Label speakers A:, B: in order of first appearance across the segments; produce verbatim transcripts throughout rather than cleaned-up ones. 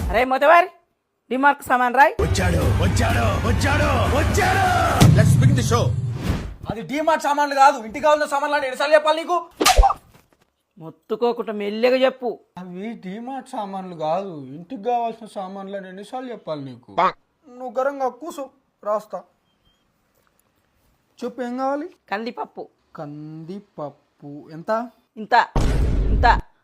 A: అరే మొదవారి డిమార్క్ సామాన్ రాయ్.
B: వచ్చాడు వచ్చాడు వచ్చాడు వచ్చాడు. Let's begin the show.
C: అది డిమార్ట్ సామాన్లు కాదు, ఇంటికి కావాల్సిన సామాన్లు అని ఎన్నిసార్లు చెప్పాలి నీకు?
A: మొత్తుకోకుండా మెల్లగా చెప్పు.
C: అవి డిమార్ట్ సామాన్లు కాదు, ఇంటికి కావాల్సిన సామాన్లు అని ఎన్నిసార్లు చెప్పాలి నీకు? నువ్వు గరంగా కూసు రాస్తా. చెప్పు ఏం కావాలి?
A: కందిపప్పు
C: కందిపప్పు ఎంత?
A: ఇంత ఇంత.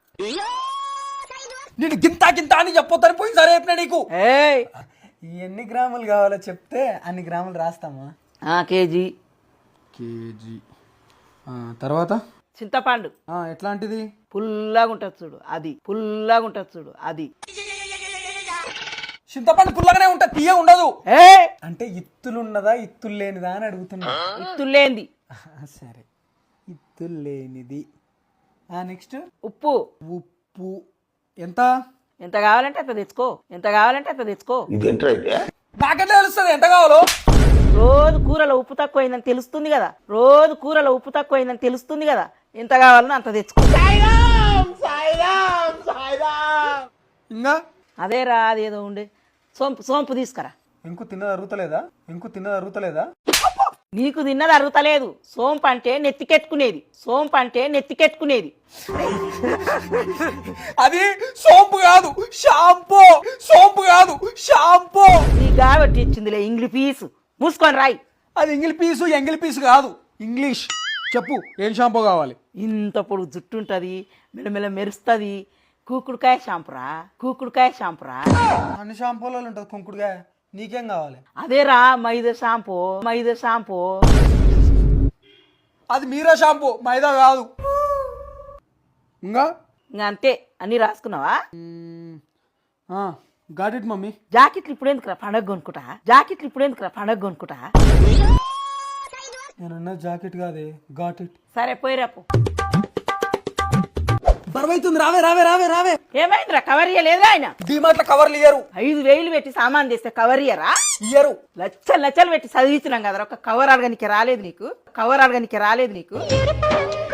C: నేను గింత గింత అని చెప్పొద్దని పోయి సరే చెప్పినా నీకు.
A: ఏయ్
C: ఎన్ని గ్రాములు కావాలో చెప్తే అన్ని గ్రాములు రాస్తామా?
A: ఆ కేజీ.
C: కేజీ తర్వాత
A: చింతపండు
C: ఎట్లాంటిది?
A: పుల్లగా ఉంటుంది చూడు అది, పుల్లగా ఉంటుంది చూడు అది.
C: చింతపండు పుల్లగానే ఉంటుంది, తీయ ఉండదు.
A: ఏ
C: అంటే ఇత్తులు ఉన్నదా ఇత్తులు లేనిదా అని అడుగుతున్నా.
A: ఇత్తులేంది.
C: సరే ఇత్తులు లేనిది. నెక్స్ట్
A: ఉప్పు.
C: ఉప్పు ఎంత?
A: ఎంత కావాలంటే అంత తెచ్చుకో, ఎంత కావాలంటే అంత తెచ్చుకో.
C: నాకెట్లా తెలుస్తుంది ఎంత కావాలో?
A: రోజు కూరలో ఉప్పు తక్కువైందని తెలుస్తుంది కదా, రోజు కూరలో ఉప్పు తక్కువైందని తెలుస్తుంది కదా. ఎంత కావాలనో అంత తెచ్చుకో.
C: ఇంకా
A: అదే రా, అదేదో ఉండే సోంపు. సోంపు తీసుకురా.
C: ఇంకూ తిన్నది అరుగుతలేదా? ఇంకూ తిన్నది అరుగుతలేదా?
A: నీకు తిన్నది అరుగుతలేదు. సోంపు అంటే నెత్తికెట్టుకునేది, సోంపు అంటే నెత్తికెట్టుకునేది.
C: అది సోంపు కాదు, షాంపూ. సోంపు కాదు, షాంపూ.
A: నీ కాబట్టి ఇచ్చిందిలే ఇంగ్లీ పీసు. మూసుకొని రాయి.
C: అది ఇంగిలి పీసు ఎంగిలి పీసు కాదు, ఇంగ్లీష్. చెప్పు ఏం షాంపూ కావాలి?
A: ఇంత పొడుగు జుట్టు ఉంటుంది, మెల్లమెల్ల మెరుస్తుంది. కూకుడుకాయ షాంపురా, కూకుడుకాయ షాంపురా.
C: అన్ని షాంపూలలో ఉంటుంది కుంకుడుగా. నీకేం కావాలి?
A: అదేరా మైదా షాంపూ, మైదా షాంపూ.
C: అది మీరా షాంపూ, మైదా కాదు. ఇంకా
A: ఇంకా అంతే. అన్ని రాసుకున్నావా?
C: Got it mummy.
A: జాకెట్లు ఇప్పుడు ఎందుకురా పండగ కొనుక్కుంటా, జాకెట్లు ఇప్పుడు ఎందుకురా పండగ కొనుక్కుంటా.
C: నేనున్న జాకెట్ కాదే, గాట్ ఇట్.
A: సరే పోయిరాపు.
C: బరువైతుంది, రావే రావే రావే రావే.
A: ఏమైందిరా? కవర్ ఇయ్యలేదా ఆయన?
C: డిమార్ట్ లో కవర్లు ఇయ్యరు.
A: ఐదు వేలు పెట్టి సామాన్ తెస్తే కవర్ ఇయ్యరా?
C: ఇయ్యరు.
A: లచ్చలు లచ్చలు పెట్టి చదివించినాం కదరా, ఒక కవర్ అడగనికి రాలేదు నీకు, కవర్ అడగనికి రాలేదు నీకు.